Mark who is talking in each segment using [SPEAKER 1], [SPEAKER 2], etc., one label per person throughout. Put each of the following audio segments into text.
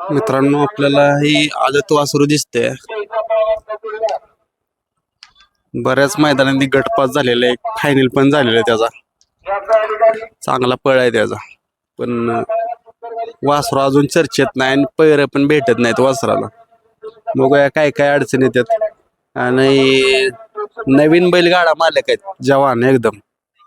[SPEAKER 1] मित्रांनो आपल्याला ही आदत वासरू दिसते. बऱ्याच मैदानांनी गटपास झालेला आहे, फायनल पण झालेला आहे त्याचा. चांगला पळ आहे त्याचा, पण वासरू अजून चर्चेत नाही आणि पैर पण भेटत नाहीत वासराला. बघूया काय काय अडचणी येतात. आणि नवीन बैलगाडा मालक आहेत जवान एकदम.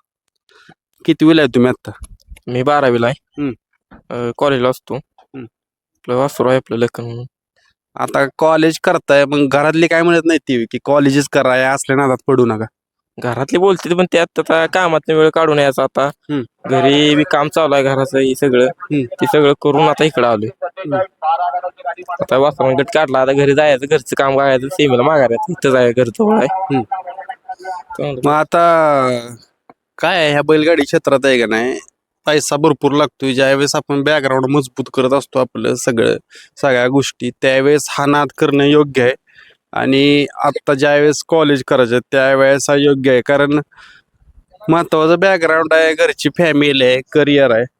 [SPEAKER 1] कितवीला आहे तुम्ही आता?
[SPEAKER 2] मी 12वीला आहे. कॉलेजला असतो. आपलं वासरू आहे आपलं लखन म्हणून.
[SPEAKER 1] आता कॉलेज करताय, मग घरातली काय म्हणत नाही ती की कॉलेजच कराय, असल्या नादात पडू नका?
[SPEAKER 2] घरातले बोलते पण त्यात आता कामात वेळ काढून यायचा. आता घरी बी काम चालू आहे घराचं हे सगळं. ते सगळं करून आता इकडं आलोय. आता वासरा गट काढला, आता घरी जायचं, घरचं काम करायचं, सेमीला मागायचं, इथं जायचं, घरचं जवळ आहे.
[SPEAKER 1] मग आता काय आहे, ह्या बैलगाडी क्षेत्रात आहे का नाही, पैसा भरपूर लागतोय. ज्यावेळेस आपण बॅकग्राऊंड मजबूत करत असतो आपलं सगळ्या गोष्टी, त्यावेळेस हा नाद करणं योग्य आहे. आणि आता ज्यावेळेस कॉलेज करायचं त्यावेळेस हा योग्य आहे, कारण महत्वाचं बॅकग्राऊंड आहे, घरची फॅमिली आहे, करिअर आहे.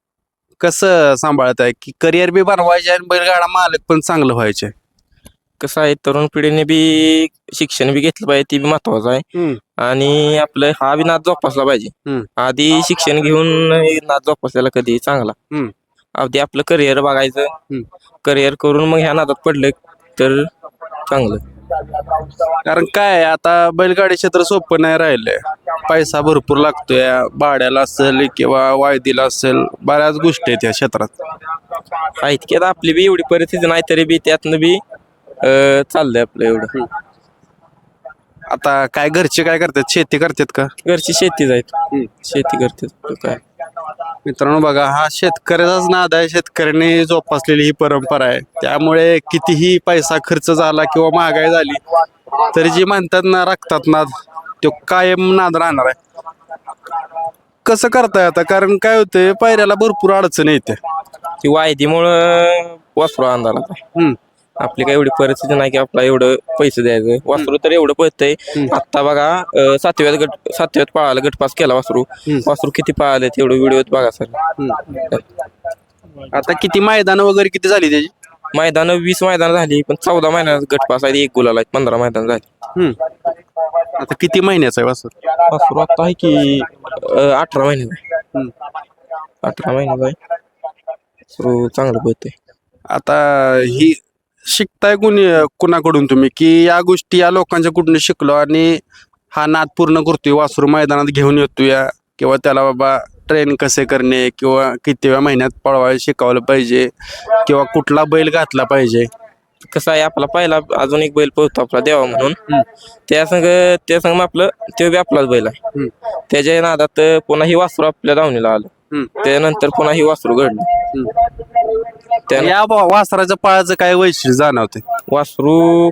[SPEAKER 1] कसं सांभाळत आहे की करिअर बी बनवायचे आणि बैलगाडा मालक पण चांगलं व्हायचे?
[SPEAKER 2] कसं आहे, तरुण पिढीने बी शिक्षण बी घेतलं पाहिजे, ते बी महत्वाचं आहे. आणि आपलं हा बी नाद जोपासला पाहिजे. आधी शिक्षण घेऊन नाद जोपासलेला कधी चांगला. आधी आपलं करिअर बघायचं, करिअर करून मग ह्या नादात पडलं तर चांगलं.
[SPEAKER 1] कारण काय आता बैलगाडी क्षेत्र सोपं नाही राहिलंय. पैसा भरपूर लागतोय, भाड्याला असेल किंवा वायदीला असेल, बऱ्याच गोष्टी आहेत या क्षेत्रात.
[SPEAKER 2] आहेत की आता आपली बी एवढी परिस्थिती नाही, तरी बी त्यातनं बी चाललंय आपलं एवढं.
[SPEAKER 1] आता काय घरचे काय करतात, शेती करतात का?
[SPEAKER 2] घरची शेतीच आहेत, शेती करतात. काय
[SPEAKER 1] मित्रांनो बघा, हा शेतकऱ्याचाच नाद आहे, शेतकऱ्याने जोपासलेली ही परंपरा आहे. त्यामुळे कितीही पैसा खर्च झाला किंवा महागाई झाली तरी जी म्हणतात ना रक्तात नाद, तो कायम नाद राहणार आहे. कसं करताय आता? कारण काय होतंय, पायऱ्याला भरपूर अडचण येते.
[SPEAKER 2] ती वायदीमुळं वासरू अंधारात. आपली काय एवढी परिस्थिती नाही की आपला एवढं पैसे द्यायचं. वासरू तर एवढं पळतंय. आता बघा सातव्यात पळाला, गटपास केला वासरू. वासरू किती पळाले तेवढं व्हिडिओत बघा सर.
[SPEAKER 1] आता किती मैदान वगैरे किती झाली त्याची?
[SPEAKER 2] मैदान 20 मैदान झाली, पण 14 महिन्यात गटपास आहे, 1 गुलाल आहे, 15 मैदान झाली.
[SPEAKER 1] आता किती महिन्याचा आहे वासरू?
[SPEAKER 2] वासरू आता आहे की 18 महिन्याचा आहे. 18 महिन्याचा आहे. वासरू चांगलं पळतंय.
[SPEAKER 1] आता ही शिकताय कुणाकडून तुम्ही, की या गोष्टी या लोकांच्या कुठून शिकलो आणि हा नाद पूर्ण करतोय, वासरू मैदानात घेऊन येतोय, किंवा त्याला बाबा ट्रेन कसे करणे किंवा कितव्या महिन्यात पळवायला शिकवलं पाहिजे किंवा कुठला बैल घातला पाहिजे?
[SPEAKER 2] कसं आहे, आपला पहिला अजून एक बैल पळतो आपला देवा म्हणून, त्या संग आपलं तो बी आपलाच बैल आहे. त्याच्या नादात पुन्हा ही वासरू आपल्या दावणीला आलं, त्यानंतर पुन्हा ही वासरू घडलं.
[SPEAKER 1] या वासराच्या पायाचं काय वैशिष्ट्य जाणवते?
[SPEAKER 2] वासरू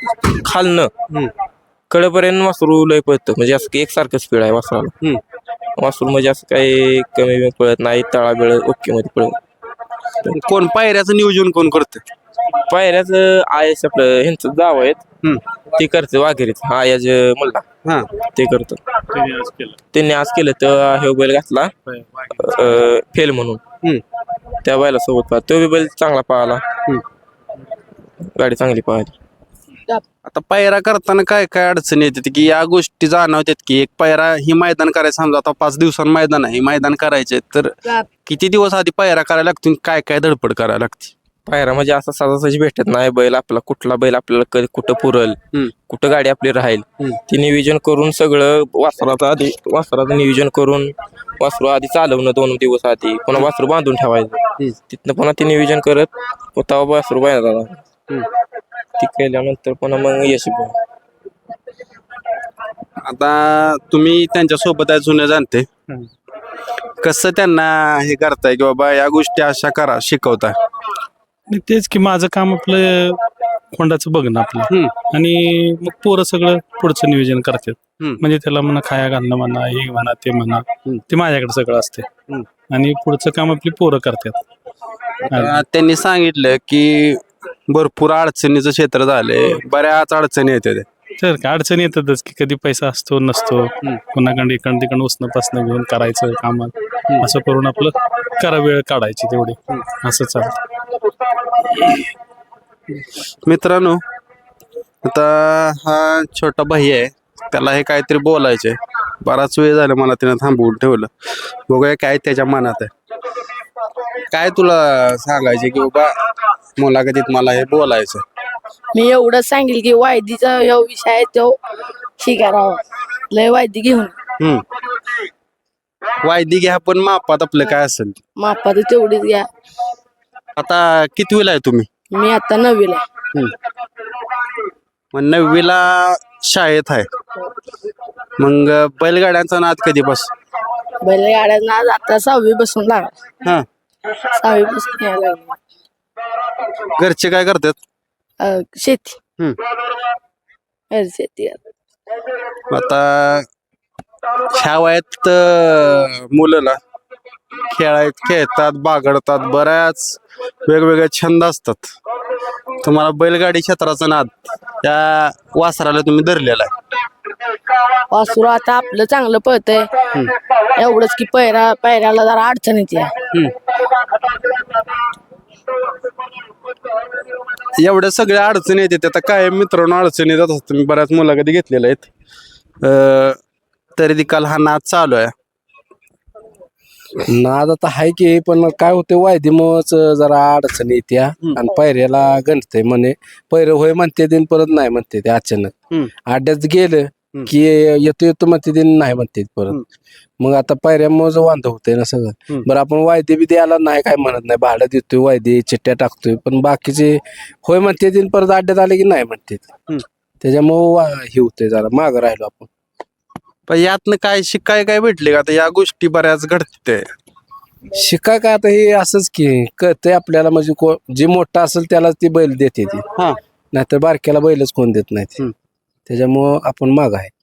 [SPEAKER 2] खालनं कडेपर्यंत वासरू लय पळतं, म्हणजे असं एकसारखं स्पीड आहे वासराला. वासरू म्हणजे असं काही कमी पळत नाही, तळाबिळ ओके मध्ये पळत.
[SPEAKER 1] कोण पायऱ्याचं नियोजन कोण करतं?
[SPEAKER 2] पायऱ्याचं आयस आपलं ह्यांचं जाव आहेत, ते करतं वाघेरीच आयाज मुलगा, ते करतं. त्यांनी आज केलं तर हे बैल घातला फेल म्हणून, त्या बैला सोबत पाहा, तो बी बैल चांगला पळाला, गाडी चांगली पळाली.
[SPEAKER 1] आता पायरा करताना काय काय अडचणी येतात की या गोष्टी जाणवतात की एक पायरा ही मैदान करायचं, समजा आता 5 दिवसांनी मैदान आहे, मैदान करायचे तर किती दिवस आधी पायरा करायला लागतो, काय काय धडपड करायला लागते?
[SPEAKER 2] पायरा म्हणजे असं सहजासहजी भेटत नाही. बैल आपला कुठला बैल आपल्याला कुठं पुरल, कुठं गाडी आपली राहील, ते नियोजन करून सगळं वासराचं नियोजन करून वासरू आधी चालवणं 2 दिवस आधी, पुन्हा वासरू बांधून ठेवायचं, तिथनं पुन्हा ते नियोजन करत तेव्हा वासरू बाहेर ती केल्यानंतर पुन्हा मग यश.
[SPEAKER 1] आता तुम्ही त्यांच्या सोबत आहे, जुने जाणते, कसं त्यांना हे करताय की बाबा या गोष्टी अशा करा, शिकवताय?
[SPEAKER 3] तेच की माझं काम आपलं खोंडाचं बघणं आपलं, आणि मग पोरं सगळं पुढचं नियोजन करतात. म्हणजे त्याला म्हणा खाया घालणं म्हणा, हे म्हणा ते म्हणा, ते माझ्याकडे सगळं असते, आणि पुढचं काम आपली पोरं करतात.
[SPEAKER 1] त्यांनी सांगितलं की भरपूर अडचणीचं क्षेत्र झालंय, बऱ्याच अडचणी येतात.
[SPEAKER 3] तर काय अडचणी येतातच की, कधी पैसा असतो नसतो, कोणाकडे इकडं तिकडं उसणं पासणं घेऊन करायचं काम, असं करून आपलं वेळ काढायची तेवढी, असं चालतं.
[SPEAKER 1] मित्रांनो, आता हा छोटा भाई आहे, त्याला हे काहीतरी बोलायचंय. बराच वेळ झाला मला तिनं थांबवून ठेवलं. बघूया काय त्याच्या मनात आहे. काय तुला सांगायचे की बाबा मुलाखतीत मला हे बोलायचं?
[SPEAKER 4] मी एवढंच सांगेल की वायदीचा ह्यो विषय आहे तो शिकारावा लय वायदी घेऊन
[SPEAKER 1] वायदी घ्या पण मापात आपलं काय असेल.
[SPEAKER 4] मापात तेवढीच घ्या.
[SPEAKER 1] आता कितवीला आहे तुम्ही?
[SPEAKER 4] मी आता 9वीला आहे.
[SPEAKER 1] मग 9वीला शाळेत आहे. मग बैलगाड्यांचा नाद कधीपासून?
[SPEAKER 4] बैलगाड्यांना आता 6वी बसून लागला.
[SPEAKER 1] हा,
[SPEAKER 4] 6वी बसून यायला लागला.
[SPEAKER 1] घरचे काय करतात?
[SPEAKER 4] शेती
[SPEAKER 1] हम्म.
[SPEAKER 4] शेती
[SPEAKER 1] आता ह्या वयात मुलं खेळतात, बागडतात, बऱ्याच वेगवेगळे छंद असतात. तुम्हाला बैलगाडी क्षेत्राचा नाद त्या वासराला तुम्ही धरलेला आहे.
[SPEAKER 4] वासरू आता आपलं चांगलं पळतंय. एवढंच की पैऱ्याला जरा अडचण येते.
[SPEAKER 1] एवढ्या सगळ्या अडचणी येतात. आता काय मित्रांनो अडचणी येतात असतात. मी बऱ्याच मुलाखती घेतलेल्या आहेत. तरी देखील हा नाद चालू आहे.
[SPEAKER 5] नाद आता हाय की, पण काय होते वायदीमुळंच जरा अडचण येते आणि पायऱ्याला गणतय म्हणे. पैर होय म्हणते दिन परत नाही म्हणते ते अचानक. आड्यात गेलं की येतो म्हणते दिन नाही म्हणते परत. मग आता पायऱ्यामुळे वांध होतंय ना सगळं. बरं आपण वायदे बी द्यायला नाही काय म्हणत नाही, भाडं देतोय, वायदे चिठ्ठ्या टाकतोय, पण बाकीचे होय म्हणते दिन परत आड्यात आले की नाही म्हणते. त्याच्यामुळं हे होतंय, जरा मागं राहिलो आपण.
[SPEAKER 1] पण यातनं काय शिकाय काय भेटले का? आता या गोष्टी बऱ्याच घडते.
[SPEAKER 5] शिकाय काय आता हे असंच की कळतंय आपल्याला, म्हणजे जे मोठा असेल त्यालाच ती बैल देते ती, नाहीतर बारक्याला बैलच कोण देत नाही. त्याच्यामुळं आपण माग आहे.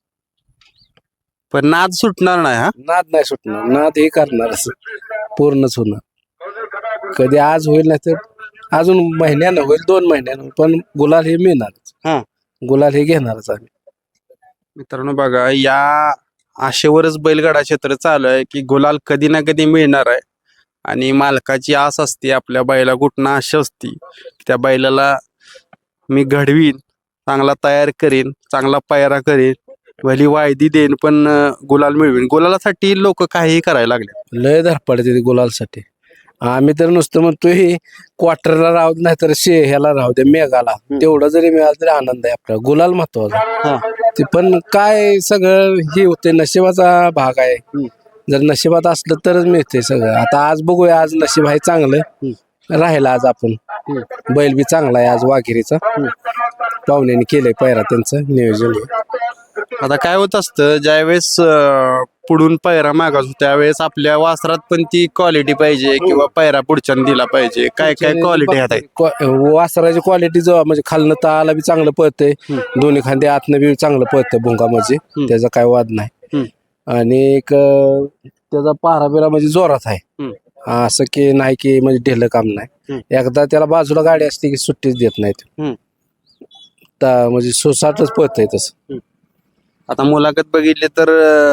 [SPEAKER 1] पण नाद सुटणार नाही. हा,
[SPEAKER 5] नाद नाही सुटणार, नाद हे करणार असं पूर्णच होणार. कधी आज होईल नाही तर अजून महिन्यानं होईल, 2 महिन्यानं, पण गुलाल हे मिळणारच. गुलाल हे घेणारच आम्ही.
[SPEAKER 1] मित्रांनो बघा, या आशेवरच बैलगाडा क्षेत्र चालू आहे की गुलाल कधी ना कधी मिळणार आहे. आणि मालकाची आस असते आपल्या बैला, कुठनं आशा असती त्या बैलाला मी घडवीन, चांगला तयार करीन, चांगला पायरा करीन, भली वायदी देईन, पण गुलाल मिळवीन. गुलालासाठी लोक काहीही करायला लागले.
[SPEAKER 5] लय धडपडते गुलालसाठी. आम्ही तर नुसतं म्हणतोय क्वार्टरला राहू दे, नाही तर ह्याला राहू दे, मेघाला. तेवढं जरी मिळालं तरी आनंद आहे आपला. गुलाल महत्वाचा ते, पण काय सगळं हे होते, नशिबाचा भाग आहे. जर नशिबात असलं तरच मिळते सगळं. आता आज बघूया, आज नशीब आहे चांगलं, राहिला आज आपण. बैल बी चांगला आहे आज वाघिरीचा. पाहुण्याने केलंय पायरा, त्यांचं नियोजन.
[SPEAKER 1] आता काय होत असतं, ज्यावेळेस पुढून पायरा मागास त्यावेळेस आपल्या वासरात पण ती क्वालिटी पाहिजे किंवा पायरा पुढच्याने दिला पाहिजे. काय काय क्वालिटी आहेत?
[SPEAKER 5] वासराची क्वालिटी जो म्हणजे खालनं ताला बी चांगलं पळतंय, दोन्ही खांदे आतनं बी चांगलं पळतंय भुंगा म्हणजे, त्याचा काय वाद नाही. आणि एक त्याचा पारा बिरा म्हणजे जोरात आहे, असं की नाही की म्हणजे ढेलं काम नाही. एकदा त्याला बाजूला गाडी असते की सुट्टीच देत नाहीत, म्हणजे सोसाटच पळतंय तसं.
[SPEAKER 1] आता मुलाखत बघितली तर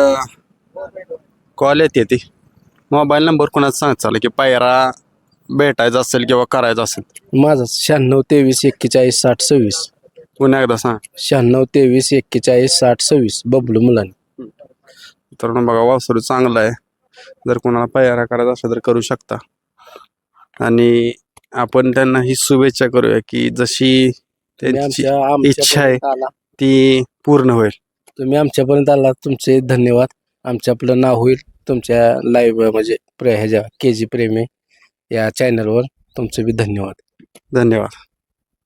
[SPEAKER 1] कॉल येते ती. मोबाईल नंबर कोणाचा सांगचाल की पायरा भेटायचा असेल किंवा करायचा असेल?
[SPEAKER 5] माझा 96 23 41 60 26.
[SPEAKER 1] पुन्हा एकदा सांग.
[SPEAKER 5] 96 23 41 60 26 बबलू मुलांनी.
[SPEAKER 1] तर बघा, वासरू चांगला आहे. जर कोणाला पायरा करायचा असेल तर करू शकता. आणि आपण त्यांना ही शुभेच्छा करूया की जशी त्यांची इच्छा आहे ती पूर्ण होईल.
[SPEAKER 5] तुम्ही आमच्यापर्यंत आला, तुमचे धन्यवाद. आमच्या आपलं नाव होईल तुमच्या लाईव्ह म्हणजे ह्याच्या KG प्रेमी या चॅनलवर. तुमचे बी धन्यवाद.
[SPEAKER 1] धन्यवाद.